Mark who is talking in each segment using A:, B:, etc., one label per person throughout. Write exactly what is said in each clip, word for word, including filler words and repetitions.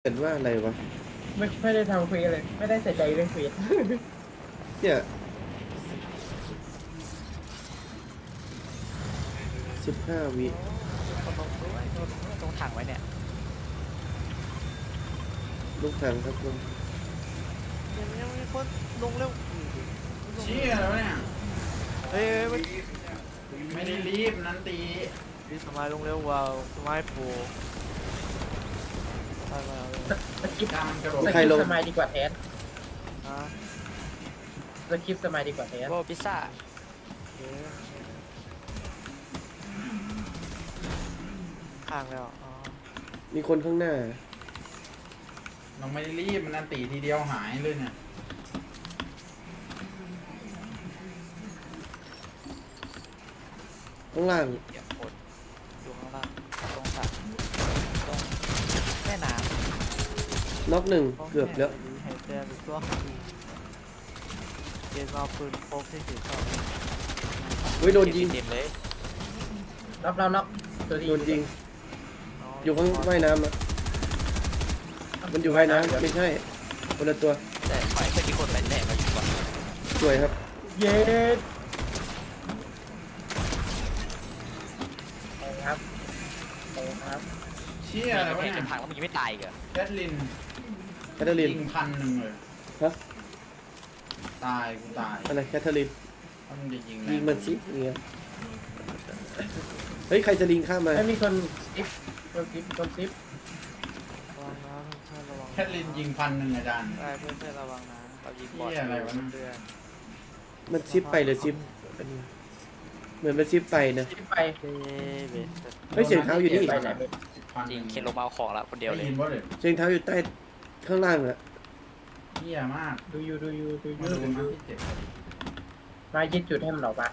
A: เห็นว่าอะไรวะ
B: ไม่ไม่ได้ทำเควสเลยไม่ได้ใส่ใจเรื่องเควส
A: เนี่ยสิบห้าวิ
C: คนลงด้วยโดนตรงถังไว้เนี่ย
A: ลูกถังครับลง
C: ยังยังมีคนลงเร็ว
D: เชี่ยแล้วเนี่ย
C: เฮ้ยไม่
D: ไม่ได้รีบนันตี
C: ดีสมัยลงเร็วว้าวสมัยโปรไปมาเลย
B: สกิป
D: กำกระโดด
B: สกิปสมัยดีกว่าแทน
C: ฮะ
B: สกิปสมัยดีกว่าแทน
C: โบพิซซ่าข้างแล้วอ๋อ
A: มีคนข้างหน้า
D: เราไม่ได้รีบมันนันตีทีเดียวหายเลยเนี่ย
A: ข้างล่าง
C: เดี๋ยวคนอยู่ข้างล่างตรงถังตรงแม่น้ำ
A: น็อกหนึ่งเกือบแล้ว
C: หายใจหรือช่วงเกมเอาปืนพกที่ถือเข้า
A: เฮ้ยโดนยิง
C: เต็มเลย
B: รับเรานับตัวดี
A: โดนยิงอยู่ข้างว่ายน้ำอะมันอยู่ว่ายน้ำไม่ใช่คนละตัว
C: แต่ฝ่ายเพื่อนที่คนแหลกมาอยู่ก่อน
A: สวยครับ
B: เย็ดไปครับไปครับ
D: เชี่ยแล้ว
C: เห็
D: เนี่ย
C: นถังแล้วมันยังไม่ตายอีกเหรอ
D: แคทลิน
A: แคทเธอรีน
D: ยิงพันหนึ่งเลย
A: ฮะ
D: ตายกูตาย
A: อะไรแคทเธอรีน
D: ถ้ามันจะยิง
A: ยิงมันสิอย่างเงี้ยเฮ้ยใครจะลิงข้ามมา
B: ไม่มีคนซิปคนซิปคนซิป
C: ระวังนะเพื่อนระวัง
D: แคทลินยิงพันหนึ่งอาจารย์
C: ได้เพื่อนเพื่อนระวังนะเรายิงบอล
D: เหี้ยอะไรวะ
C: เพื่อน
A: มันซิปไปหรือซิปอันนี้เหมือนมันซิปไปนะ
B: ซิปไป
C: เฮ้ยเบส
A: เฮ้ยเสียงเท้าอยู่นี่
B: ไปไหนไป
D: พัน
C: จริง
D: หนึ่
C: เคนลงมาเอาของละคนเดียวเลย
D: ได้ยินว่าเลย
A: เสียงเท้าอยู่ใต้ข้างล่างอะ
D: เชี่ยมาก
B: ดูอยู่ดูอยู่ดูอ
D: มา
B: ยู่
D: ดู
B: ดูอ
D: มา
B: ยู่
D: ที่เจ็บ
B: มายึดจุดให้มันออกมา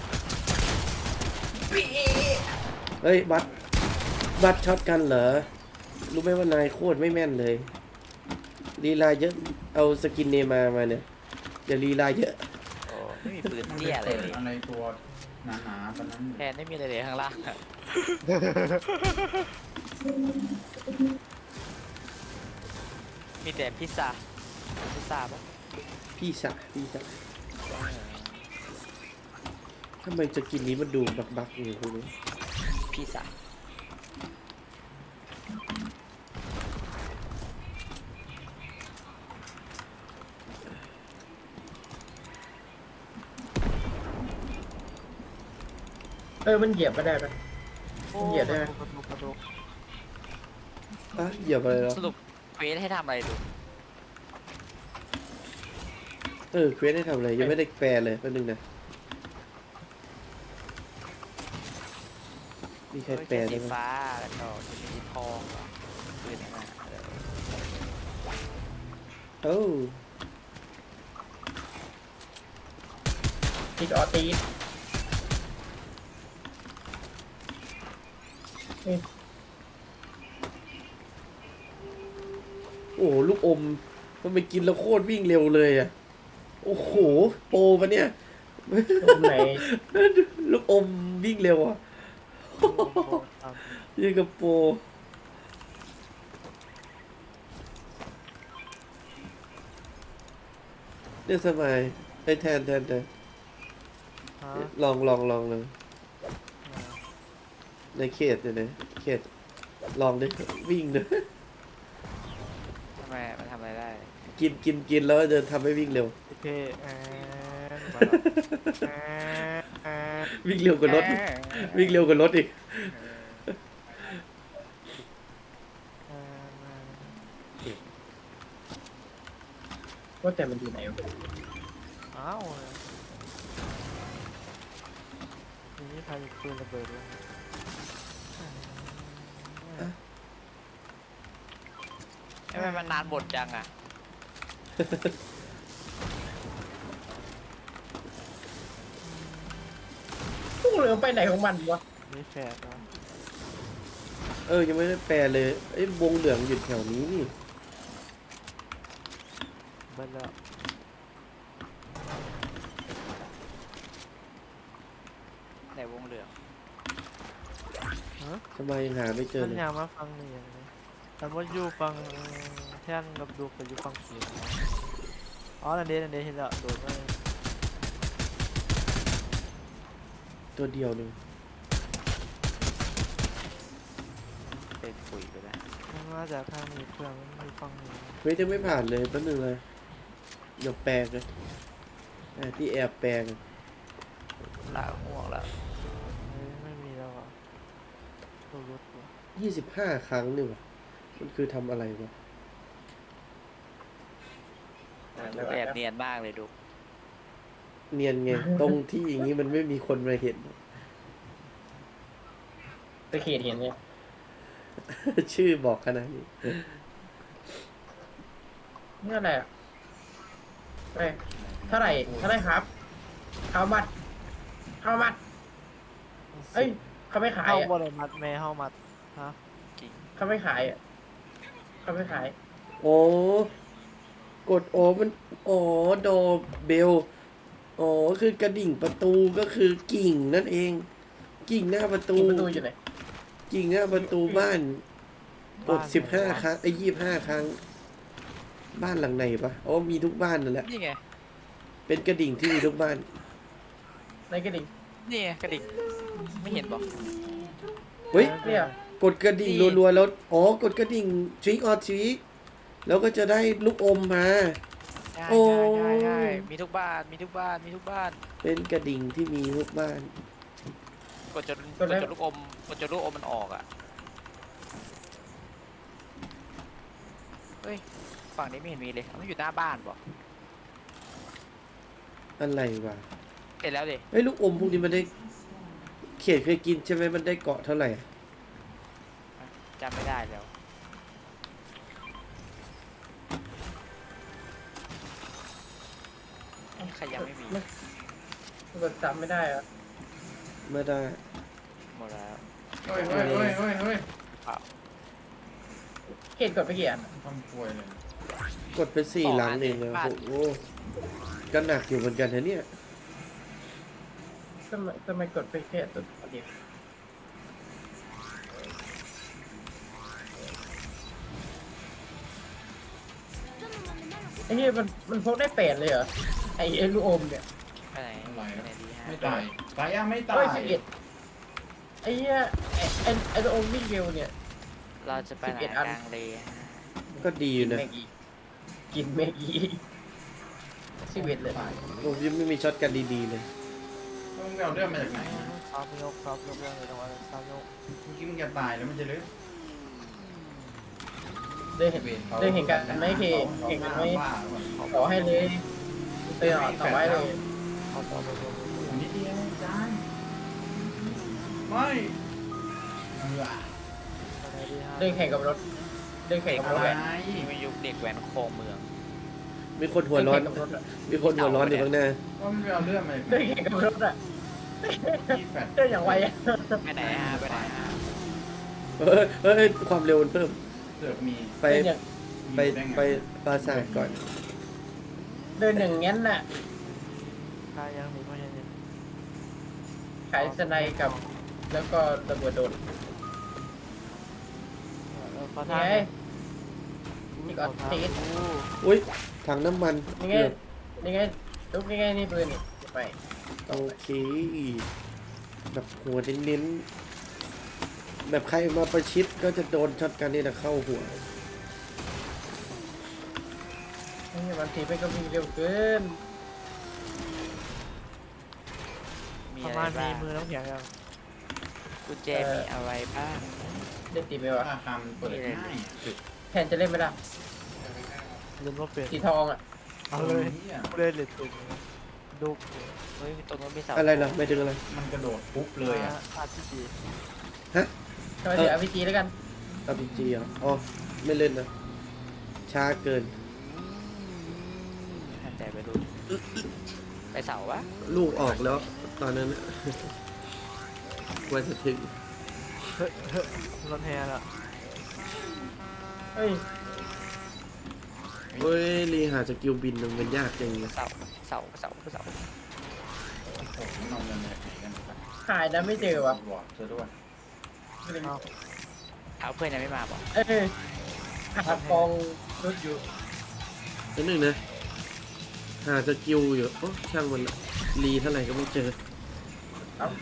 A: เฮ้ยบัตบัตช็อตกันเหรอรู้ไหมว่านายโคตรไม่แม่นเลยลีลาเยอะเอาสกินเนมามาเนี่ยอย่าลีลาเยอะ
C: โอ้ไม่มีปืน
D: มัน
C: เตี้ยอะไร
D: เปิด
C: เลย
D: อะไรตัวหนาๆตอนนั้น
C: แทนไม่มีอะไรเลยข้างล่างอะมีแต่พิซซ่าพิซซ่าปะ
A: พี่สะพี่สะทำไมสกินนี้มันดูบักบักอยู่คุณรู้
C: พิซซ่า
B: เออมันเหยียบไม่ได้ปะ เหยียบได้ไหม
C: กระดูกกระดูก
A: อ่ะเหยียบอะไรแล้ว
C: สรุปเควสให้ทำอะไรดู
A: เออเควสได้ทำอะไรยังไม่ได้แปลเลยแป๊บนึงนะมีใครแปล
C: สี
A: ได้ไหม
C: ฟ้าแล้วก็จะมีทองเหรอปืนนะเออ
A: โอ้
B: ติดออตีดเอ้ย
A: โอ้ลูกอมมันไปกินแล้วโคตรวิ่งเร็วเลยอ่ะโอ้โหโปรปะเนี่ย
B: ตรงไหน
A: ลูกอมวิ่งเร็วอ่ะยังกับโปรเนี่ยสมัยไอ้แทนแทนแทน
C: ฮะ
A: ลองลองลองเลยในเขตเนี่ยนะเขตลองดิวิ่งดิ
C: ทำไมมันทำอะไรได้
A: กินกินกินแล้วจะทำให้วิ่งเร็ว
C: โอเคแอนมาแอน
A: วิ่งเร็วกว่ารถอีกวิ่งเร็วกว่ารถอีก
B: ว่าแต่มันอยู่ไหนวะ
C: อ้าวนี่พายุปืนระเบิดด้วยทำไมมันนานบทจังอ่ะ
B: พวกเหลือไปไหนของมันวะ
C: นี่แฟร์นะ
A: เออยังไม่ได้แปลเลยไอ้วงเหลืองอยู่แถวนี้นี่
C: เบิ้ลแล้วไหนวงเหลือง
A: ทำไมยังหาไม่เจอ
C: มัน
A: เลย
C: ยาวมาฟังนี่อย่างนี้แต่ว่าอยู่ฟังแท่นกับดูกับอยู่ฟังเขียวอ๋อนั่นเดนั่นเดเห็นแล้วโดนเลย
A: ตัวเดียวหนึ่ง
C: เป็นปุ๋ยไปแล้วมันมาจากทางนี้เพื่อนมันมีฟังนี้
A: เฮ้ยยังไม่ผ่านเลยแป๊บนึงเลยเดี๋ยวแปลงเลยอ่ะที่แอบแปลง
C: ละห่วงละเฮ้ยไม่มีแล้วอ่ะตัวรถว่ะ
A: ยี่สิบห้าครั้งนี่วะมันคือทำอะไรวะ
C: แอบเนียนมากเลยดู
A: เนียนไง ตรงที่อย่างนี้มันไม่มีคนมาเห็น
B: ตะเขียดเห็นเนี่ย
A: ชื่อบอกขนาดนี้
B: นี่อะไรอ่ะเอ้ยเท่าไหร่เท่าไหร่ครับข้าวมัดข้าวมัดเอ้ยเขาไม่ขาย
C: เข้า
B: อ่ะ
C: บ่ได้มัดแม่เข้ามัดฮะ
B: เขาไม่ขายอ่ะเขาไม่ขาย
A: โอ้กดโอมันอ๋อโดเบลอ๋อคือกระดิ่งประตูก็คือกิ่งนั่นเอง กิ่งหน้าประตู
B: กินประตูอยู่ไหน
A: กิ่งหน้าประตูบ้านกดสิบห้าครั้งไอ้ยี่ห้าครั้ง บ้านหลังไหนปะอ๋อมีทุกบ้านนั่นแหละ
C: นี่ไง
A: เป็นกระดิ่งที่มีทุกบ้าน
B: ในกระดิ่ง
C: นี่ไงกระดิกไม่เห็นบอก
A: เฮ้ย
B: เนี่ย
A: กดกระดิ่งรัวๆแล้ว อ๋อ กดกระดิ่งทริกออทริกแล้วก็จะได้ลูกอมมา
C: ใช่
A: โอ้
C: ใช่ใช่ใช่มีทุกบ้านมีทุกบ้านมีทุกบ้าน
A: เป็นกระดิ่งที่มีทุกบ้าน
C: กดจนกดจนลูกอมกดจนลูกอมมันออกอ่ะเฮ้ยฝั่งนี้ไม่เห็นมีเลยมันอยู่หน้าบ้านบอก
A: อะไรวะ
C: เห็นแล้วดิ
A: ไอ้ยลูกอมพวกนี้มันได้ เขียดเคยกินใช่ไหมมันได้เกาะเท่าไหร่
C: จำไม่ได้แล้วเอ๊ะใครยังไม่มี
B: แบบจำไม่ได้อ่ะ
A: ไม่ได้
C: หมดแล้ว
D: เฮ้ยเฮ้ยเฮ้ยเฮ้ยเฮ้ย
B: เขียนกดไปกี่อัน
D: ทำป่วยเลย
A: กดไปสี่หลังเองเลยโอ้โหก็หนักอยู่เหมือนกันนะเนี่ย
B: ทำไมทำไมกดไปแค่ตัวเดียวไอ้เหี้ยมันมันพกได้แปดเลยเหรอไอ้ไอ้ลูกอมเนี่ย
C: ไปไหน
D: อะไร
C: ไป
D: อะ
C: ไหนดีฮะ
D: ไม่ตายตายยังไม่ตา
B: เฮ้
D: ย
B: ยสิบเอ็ดไอ้เหี้ยไอ้ไอ้ไอ้ลูกอมวิ่งเร็วเนี่ย
C: เราจะไปไหน
B: สิบเอ็ดอัน
C: กลางเลยฮะ
A: ก็ดีอยู่นะ
B: แม็กอีกินแม็กอีสิบเอ็ดเลย
D: ตาย
A: ผมยังไม่มีช็อตกันดีๆเลย
D: มึงไปเอาเรื่องมาจากไหนอะ
C: ซ้อมยกซ้อมยกเรื่องเลยตรงนั้นซ้อมยก
D: เมื่อกี้มึงจะตายแล้วมันจะลึก
B: ได้เห็นได้เห็นกันไหมเคเห็นกันไหมต่อให้เลยเตือนต่อไว้เลย
C: เอาต่อไปเลย
D: นิดเดียวจานไม่เออ
C: ไปไหนดีฮะ
B: เดินแข่งกับรถเดินแข่งกับรถ
D: อะไร
B: แหละ
C: นี่มันยุคเด็กแว้นโครงเมือง
A: มีคนหัวร้อน
B: เดินแข่งกับรถอะ
A: มีคนหัวร้อนอยู่ข้างหน้า
D: ว่ามันไปเอาเรื่องมาจากไหน
B: เดินแข่งกับรถอะ
D: ที่แฟด
B: เดินอย่างไวอะ
C: ไปไหนฮะไปไหนฮะ
A: เฮ้ยเฮ้ยความเร็วมันเพิ่ม
D: เสือกมี
A: ไป
B: เดินอย่าง
A: ไปไปปราสาทก่อน
B: เดินอย่างงั้นน่ะ
C: ใครยังหนีไม่ยังหนี
B: ขายสไนด์กับ แล้วก็ระเบิดโดน
C: เออขอ
B: ไง
C: ทางหน่อย
B: นี่ก็ตีด
A: อุ้ยถังน้ำมัน
B: นี่ไงนี่ไงลุกนี่ไงนี่ปืนนี่ไป
A: โอเค แบบหัวเน้นๆแบบใครมาประชิดก็จะโดนช็อตกันนี่นะเข้าหัว
B: นี่บางทีไปก็วิ่งเร็วเกิน
C: มี
E: ประ
C: อะไร
E: มาณมี
C: บ้าง
E: มือน้ำแข็งยัง
C: กุญแจมีอะไรบ้าง
B: ได้ตีไปวะ
D: ราคามันเปิดง่ายอะ
B: แทนจะเล่นไม่ได้
E: เล่นว่าเป็น
B: สีทองอ่ะ
E: เอาเลย
D: นี่อะ
E: ผู้เล่นเหล็กตุ่มดู
C: เฮ้ยตรงนู้นมีเสา
A: อะไรล่ะไม่ถึงอะไร
D: มันกระโดดปุ๊บเลยอ่ะ
E: อาร์พีจี
B: ทำไมถึงอาร์พีจีแล้วกัน
A: อาร์พีจีอ่ะอ๋อ ไม่เล่นนะ ช้าเกิน
C: หันใจไปดูไปเสาวะ
A: ลูกออกแล้ว ตอนนั้นน่ะ ว่าจะถึง
E: รถแฮร์ละ
B: เฮ้ย
A: เฮ้ย รีหาสกิลบินมันยากจังเลย
C: เสาเสาเสาเสา
D: โอ้โหมันเอาเงินมาจากไหนกันครับ
B: หายนะไม่เจอวะ
D: บอดเธอด้วย
C: เอาเพื่อนยังไม่มาบอก
B: เออหากองรุดอยู่
A: นิดนึงนะหาสกิลอยู่โอ้ช่างมันละรีเท่าไหร่ก็ไม่เจอ
B: เอ้า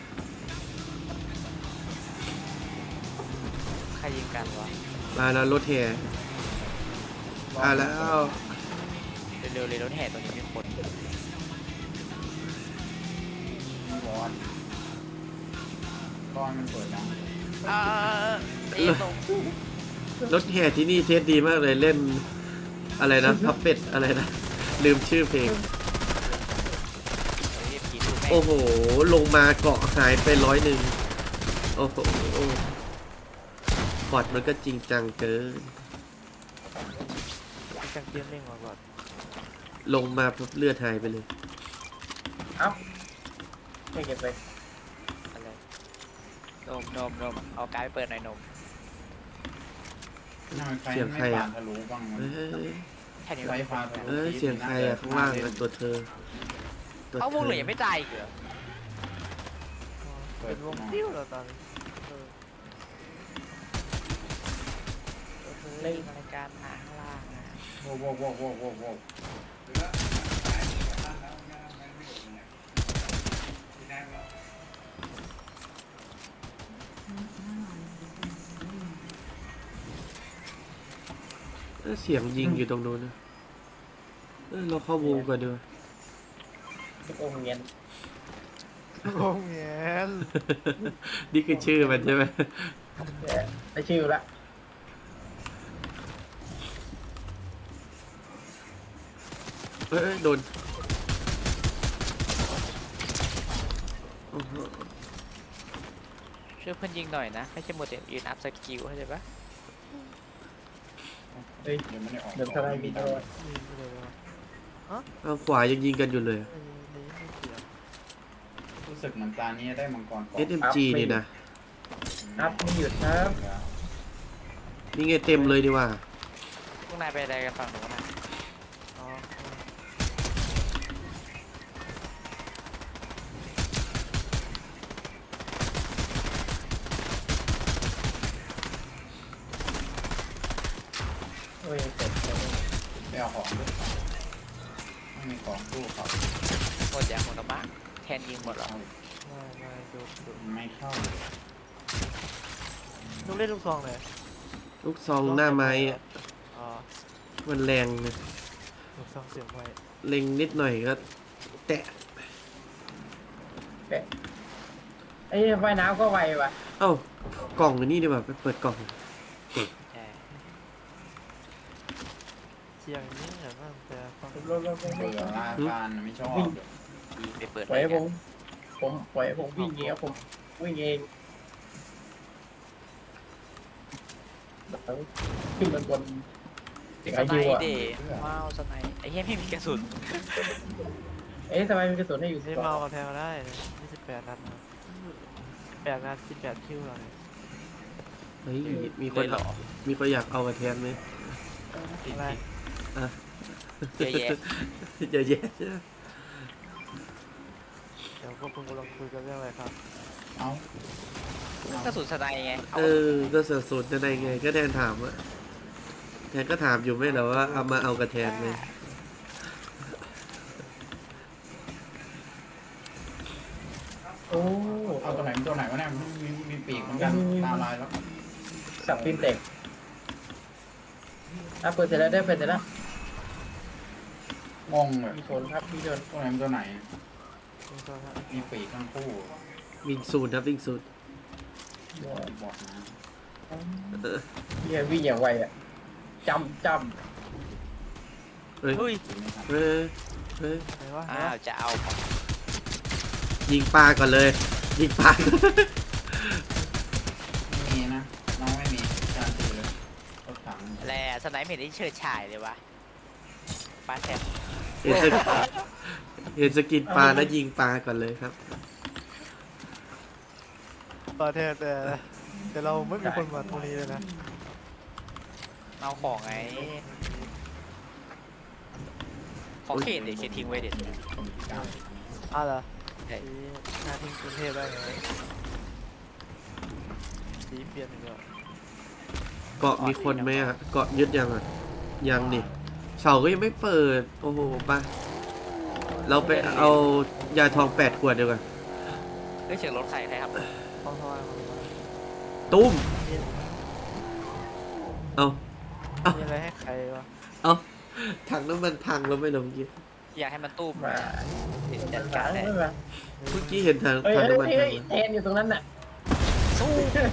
C: ใครยิงกันวะ
A: มาแล้วรถแห่มาแล้ว
C: เร็วๆเลยรถแห่ตัวนี้มีคน
D: บอลก้อนมันเปิดดัง
C: อ่าเอ็นลง
A: รถแห่ที่นี่เทสดีมากเลยเล่นอะไรนะพับเป็ดอะไรนะลืมชื่อเพลง
C: เรียบผีดูแม่ง
A: โอ้โห ลงมาเกาะหายไปร้อยหนึ่งโอ้โหบอดมันก็จริงจังเกิน
E: มีจังเกมเล่งมาก่อน
A: ลงมาปุ๊บเลือดหายไปเลย
B: เอ้าไม่เก็บไป
C: อะไรนมนมนมเอาการ์ดไปเปิดหน่อยนม
D: ทำไมไฟ
A: เสียง
D: ไม่
A: ใครอะ
D: ปานทะลุบ้างวะ
A: เอ้ย
C: แค่นี้
D: ไฟ
C: วะ
D: ฟ้าทะลุ
A: เอ้ยเสียงใครอะข้างล่างอะตัวเธอตัว
C: เอา
A: เธ
C: วง
A: อ
C: เหลือยังไม่ตายอีกเหรอ
E: เป็นวงติ้วแล้วตอนนี้เออ
C: เล่นรายการหาข้างล่างอะ
D: โว้โว้โว้โว้โว้โว้
A: เอ้ยเสียงยิงอยู่ตรงนู้นนะเอ้ยเราเข้าวงก่อนดีกว่า
B: โอ้เงียน
E: วงเงี้ย
A: นี่คือชื่อมันใช่ไหม
B: เนี่ยได้ชื่อละ
A: เอ้ยเอ้ยโดนโอ้โห
C: ช่วยเพื่อนยิงหน่อยนะไม่ใช่โมเดลยืนอัพสกิลเข้าใจปะ
B: เฮ้ย
D: เดี๋ยวไม่ได้ออก
B: เดิมทลายบินเลย
E: ยิงไปเลยว่ะ
A: เอาขวายังยิงกันอยู่เลย
E: ไอ้นี่ไม่เสีย
D: รู้สึกเหมือนตานี้ได้มังกรเกาะ
A: เอส เอ็ม จี นี่นะ
B: อัพไม่หยุดครับ
A: นี่ไงเต็มเลยดีกว่า
C: พวกนายไปอะไรกันฝั่งหนูนนะ
E: อ๋อ
B: โอ้ยเจ็บเลย
D: ไปเอาของด้วยไม่มีของตู้เขา
C: หมดอย่างหมดแล้วมั้งแทนยิงหมดเหรอ
E: ไม่ไม่ดูดู
D: ไม่เข้า
E: ลูกเล่นลูกซองเลย
A: ลูกซองหน้าไม้อะ
E: อ๋อ
A: มันแรงนะ
E: ลูกซองเสียงไว้
A: เล็งนิดหน่อยก็แตะ
B: แปะไอ้ไฟน้ำก็ไวว่ะ
A: เอ้ากล่องอันนี้ดีกว่าไปเปิดกล่อง
C: ใช่
E: เสียงนี้เหมือนว่าแต่ฟัง
B: รถรถรถร
D: เบื่
B: ถ
D: อลาฟานไม่ชอบ
C: ยิงไปเปิด
B: ปล่อยให้
C: เล
B: ผ
C: ย
B: ม ผมปล่อยให้ผมวิ่งเองครับผมวิ่งเองขึ้นบนบน
C: ส
B: ไอ้
C: ไน
B: ยูอ่ะ
C: เดย์ว้าวสไนไอ้เหี้ยไม่มีกระสุน
B: เอ๊ะทำไมมีกระสุนให้อยู่
E: นี่เมากับแทงมาได้ยี่สิบแปดนัดนะแปดนัดสิบแปดคิวเลย
A: เฮ้ยมีค
C: เล
A: น
C: ยเหรอ
A: มีคนอยากเอามาแทนไหม
E: อะไร
A: อ่ะ
C: เยอะแยะ
A: เยอะแยะใช่ไหม
E: เดี๋ยวพวกคุณกำลังคุยกันเรื่องอะไรครับ
D: เอา
C: กระสุนสไนไงเอา
A: เออก็เสือสูตรจะได้ไงก็แทนถามอะแทนก็ถามอยู่ไม่เหรอว่าเอามาเอากระแทนเลย
B: โอ้
D: เอาตัวไหนตัวไหนวะเนี่ยมีมีปีกเหมือนกันตาลายแล้ว
B: สับฟิล์มเต็กอ่ะเปิดเสร็จแล้วได้เปิดเสร็จแล้ว
D: งงเลย
B: มีชนครับมีชน
D: ตัวไหนตัวไหน
E: ลูกซองฮะ
D: มีปีกทั้งคู่
A: วิ่งสูตรครับวิ่งสูตร
D: บอกนะ
B: พี่วิ่งอย่างไวอ่ะจำจ
A: เฮ้ย
C: เฮ้ย
A: เฮ้ยเฮ้ย
E: ไหนวะ
C: อ้าวจะเอาของ
A: ยิงปลาก่อนเลย ยิงปลา
D: ไม่มีนะน้องไม่มีการตีเลยรถถัง
C: แหละสไนไม่เห็นได้เชิดฉายเลยวะปลาแทน
A: เห็นสกเห็นสกินปลาแล้วยิงปลาก่อนเลยครับ
E: ประเทศแต่แต่เราไม่มีคนมาตรงนี้เลยนะ
C: เอาของไงของเขตเด็กเขตทิ้งไว้เด็ด
E: อ้าวเหรอ
C: ใช่
E: สีหน้าทิ้งกรุงเทพได้ไงสีเปลี่ยนอีกแล้ว
A: เกาะมีคนไหมอ่ะเกาะยึดยังอ่ะยังดิเสาก็ยังไม่เปิดโอ้โหไปเราไปเอายาทองแปดขวดเดียวกัน
C: เฮ้ยเสียงรถใครใครครับ
E: ห้องทอยห้องทอย
A: ตุ้มเอาเอา
E: มีอะไรให้ใครวะ
A: เอาถังน้ำมันพังแล้วไม่ลงเมื่อกี้
C: อยากให้มันตู้ม
B: มา
C: จัดการเลย
B: ไม่มา
A: เมื่อกี้เห็นถัง
B: เฮ้ย
A: ถัง
B: เฮ้ย
A: น้ำมัน
B: เฮ้
A: พั
B: ย
A: ง
B: เทนอยู่ตรงนั้นน่ะ
C: สู้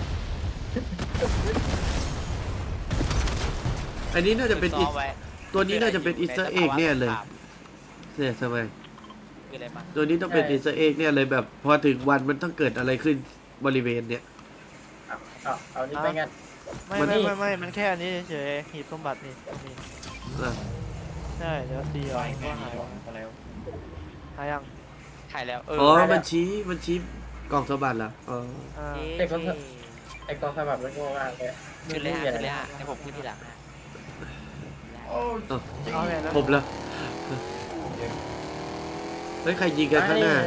A: อันนี้น่าจะเป็น
C: ซ้
A: อี
C: อมไว้
A: ตัวนี้น่าจะเป็นอีสเตอร์เอ็กแน่เลยเนี่ยทำไม
C: คืออะไรมา
A: ตัวนี้ต้องเป็นอีสเตอร์เอ็กเนี่ยเลยแบบ พอถึงวันมันต้องเกิดอะไรขึ้นบริเวณเนี้ย
B: เอาเอาเอานี่ไปงั้น
E: ไม่
A: มัน
E: ไม่ไม่ไม่มันแค่อันนี้เฉยๆหีบสมบัตินี่ตรงนี้
A: อ่ะ
E: ใช่เดี๋ยวตีออก
D: ไม่
E: ก็
D: ไม่
E: หาย
D: หรอกก็แล้ว
E: หายยัง
C: ถ่ายแล้วเออ
A: อ๋อมันชี้มันชี้กล่องสมบัติเหรออ๋อ
E: อ่า
C: เอ๊ะ
B: ไอ้กองสมัครมันโง่มากเลย
C: ขึ้นเลยฮะขึ้นเลยฮะให้ผมขึ้นทีหลังฮะ
D: โอ้
E: เอาไงนะ
A: ผมละเฮ้ยใครยิงกันข้างหน้า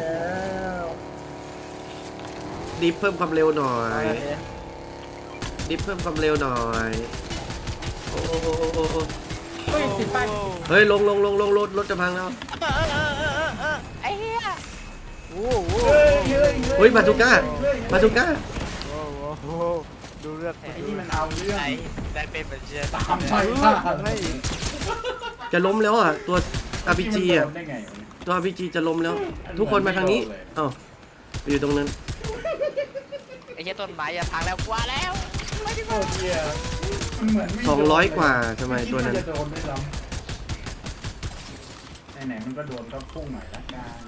A: ดิฟเพิ่มความเร็วหน่อ
E: เอา
A: ย
E: ไงเนี่ย
A: ดิฟเพิ่มความเร็วหน่อย โอ้โหโอ้โหโอ้โห
B: เฮ้ยติดป้าย
A: เฮ้ยลงลงลงลงรถรถจะพังแล้ว
C: ไอ้เหี้ย
E: โอ้โห
A: เฮ้ยบาซูก้าบาซูก้า
E: โอ้โหโอ้โหดูเลือด
D: ไอ้นี่มันเอาเรื่อง
C: ไอ้ได้เป็นเหมือนเชียร์
D: ตามไป
E: เออ
D: ฆ่า
E: ทำให้อีก
A: จะล้มแล้วอ่ะ ตัว อาร์ พี จี อ่ะ
D: มันโดนได้ไงวะเนี่ย
A: ตัว อาร์ พี จี จะล้มแล้ว ทุกคนมาทางนี้เอ้าไปอยู่ตรงนั้น
C: ไอ้เหี้ยต้นไม้อย่าพังแล้วกลัวแล้ว
D: โอ้เหี้ยมันเหมือนไม่
A: สองร้อยกว่าทำไมตัวนั้น
D: คิดาจะโดนไม่ซ้ำไหนๆมันก็โดนก็พุ่งหน่อยละกัน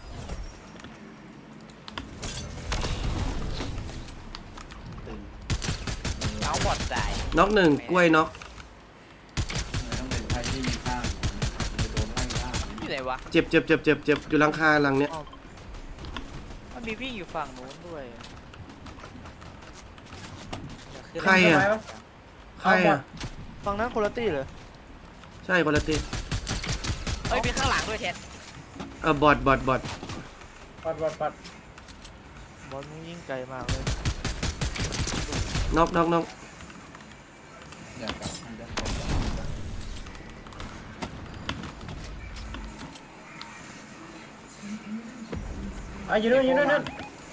D: ตึง
C: เอาบอดใจ
A: น็อกหนึ่งกล้วยน็อก
D: มันต้องเป็นไพ่ที่มีข้างมันจะโดนไล่ล่า
C: อยู่ไหนวะ
A: เจ็บเจ็บเจ็บเจ็บเจ็บอยู่หลังคาหลังเนี้ย
C: มันมีวิ่งอยู่ฝั่งนู้นด้วย
A: ใครอ่ะ ใครอ่ะ
E: ฝั่งนั้นคนละตี้เหรอ
A: ใช่คนละตี
C: เฮ้ยมีข้างหลังด้วยเท็ด
A: เออบอดบอดบอด
B: ปัดปัดปัด
E: บอลมึงยิงไกลมากเลย
A: น็อกน็อกน็อก
D: อยากกลับมันจะตก
B: อ่ะอยู่นู่นอยู่นู่นนู่น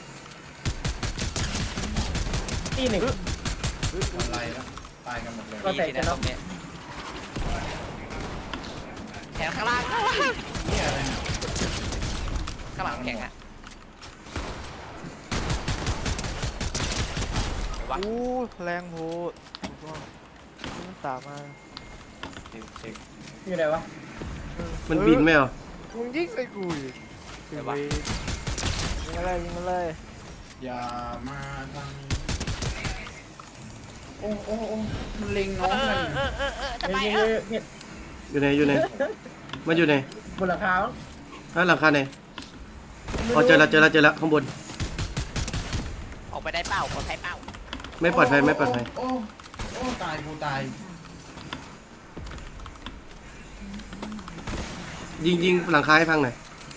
B: ที่หนึ่ง
D: อะไรแล้วตายกันหมดเลย
B: ก็
C: มี
B: แตก
C: สิ
B: กั
C: นะ
B: น
C: ต
B: เนาะ
C: รงเนี้ยแขนข้างล่าง
D: เนี่ยอะไรเนี่ย
C: ข้างหลังแข็งอะวะ
E: อู้แรงโหดถูกต้องมันตามมา
D: เช็คเช็ค
B: อยู่ไหนวะ
E: เออ
A: มันบินไหม
E: เออ
A: อ่ะ
E: มึงยิงใส่กูอีกยิงไปยิงอะไรยิงอะไร
D: อย่ามาทางนี้โอ้โอ้โอ้มันเล็งน้องมัน
C: เออเออเออทำไม
B: เฮ้ย
C: เอ
B: เฮ้
C: อย
B: เฮ้ย
A: อยู่ไหนอยู่ไหนมันอยู่ไหน
B: บนหลังคามั้ง
A: ฮะหลังคาไหนอ๋อเจอแล้วเจอแล้วเจอแล้วข้างบน
C: ออกไปได้เป้าปลอดภัยเป้า
A: ไม่ปลอดภัยไม่ปลอดภัย
D: โอ้โอ้ตายกูตาย
A: ยิงยิงหลังคาให้พังหน่อย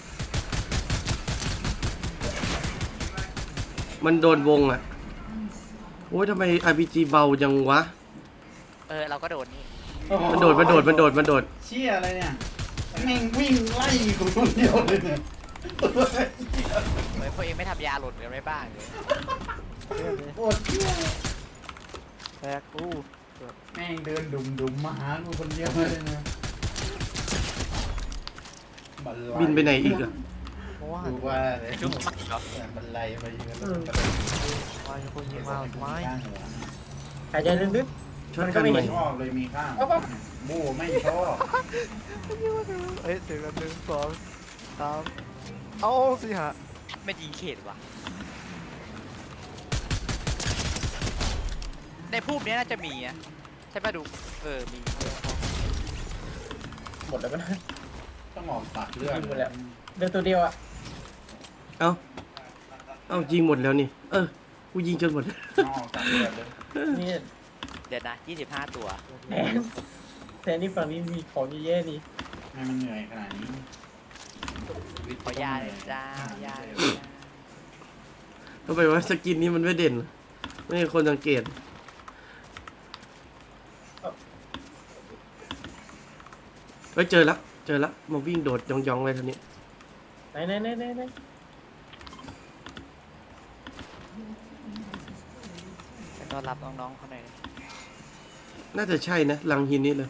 A: มันโดนวงอ่ะโอ้ยทำไม อาร์ พี จี เบาจังวะ
C: เออเราก็โดนนี่
A: มันโดดมันโดดมันโดดมันโดด
D: เชี่ยอะไรเนี่ยแม่งวิ่งไล่กูคนเดียวเลยเนี่ย
C: เฮ้ยพวกเองไม่ทำยาหล่นกันไม่บ้างเลย
E: เรื่องนี้
D: โอ้เชี่ย
E: แตกอู้
D: แม่งเดินดุมดุมๆมาหากูคนเดียวเลยเนี่ยบันไล
A: บินไปไหนอีกอ่ะ
E: เพราะว่าหัน
D: ดูว่าเลย
C: จุ๊บมาเหรอ
D: บันไลไปยิงกัน
E: มาอยู่คนยิงมาไม้
D: ข้างหัว
B: หายใจลึก
A: ช็อตกันใหม่
D: ชอบเลยมีข้างบูไม่ชอบ
E: เอ้ยถึงกันหนึ่งสองสามเอาสิฮะ
C: ไม่ยิงเขตว่ะในภูมินี้น่าจะมีอะใช่ป่ะดูเออมี
B: ๆหมดแล้วปะ
D: ต้องออกตัดเลือด
B: ยิงหมดแล้ว เดินตัวเดียวอ่ะ
A: เอ้าเอ้ายิงหมดแล้วนี่ เออ กูยิงจนหมด
D: ต้องออกตัดเลือดเลย
B: นี่
C: เดี๋ยวนะยี่สิบห้าตัว
B: แทนแทนนี่ฝั่งนี้มีของเยอะแยะนี่
D: ให้มันเหนื่อยขนาดนี้
C: ขอยาเลยจ้ายาเลยจ้า
A: ทำไมว่าสกินนี้มันไม่เด่น ไม่มีคนสังเกตเฮ้ยเจอแล้วเจอแล้วมาวิ่งโดดยองๆเลยทีนี้
B: ไหนไหนไหนไหนไหน
C: ไปต้อนรับน้องๆเขาหน่อยดิ
A: น่าจะใช่นะลังหินนี่เลย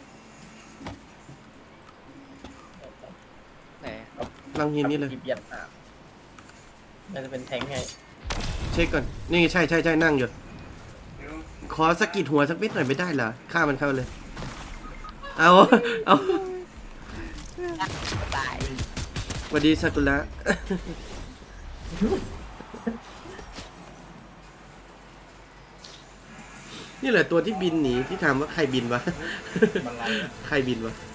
C: ไหน
A: ลังหินนี่เลย
B: หยิบยัดอ่ะน่าจะเป็นแทงไง
A: เช็คก่อนนี่ใช่ใช่ใช่นั่งอยู่ขอสะกิดหัวสักนิดหน่อยไม่ได้เหรอฆ่ามันเข้าเลยเอาเอา
C: ตาย
A: สวัสดีซากุระนี่แหละตัวที่บินหนีที่ถามว่าใครบินวะ
D: บันไล
A: ใครบินวะ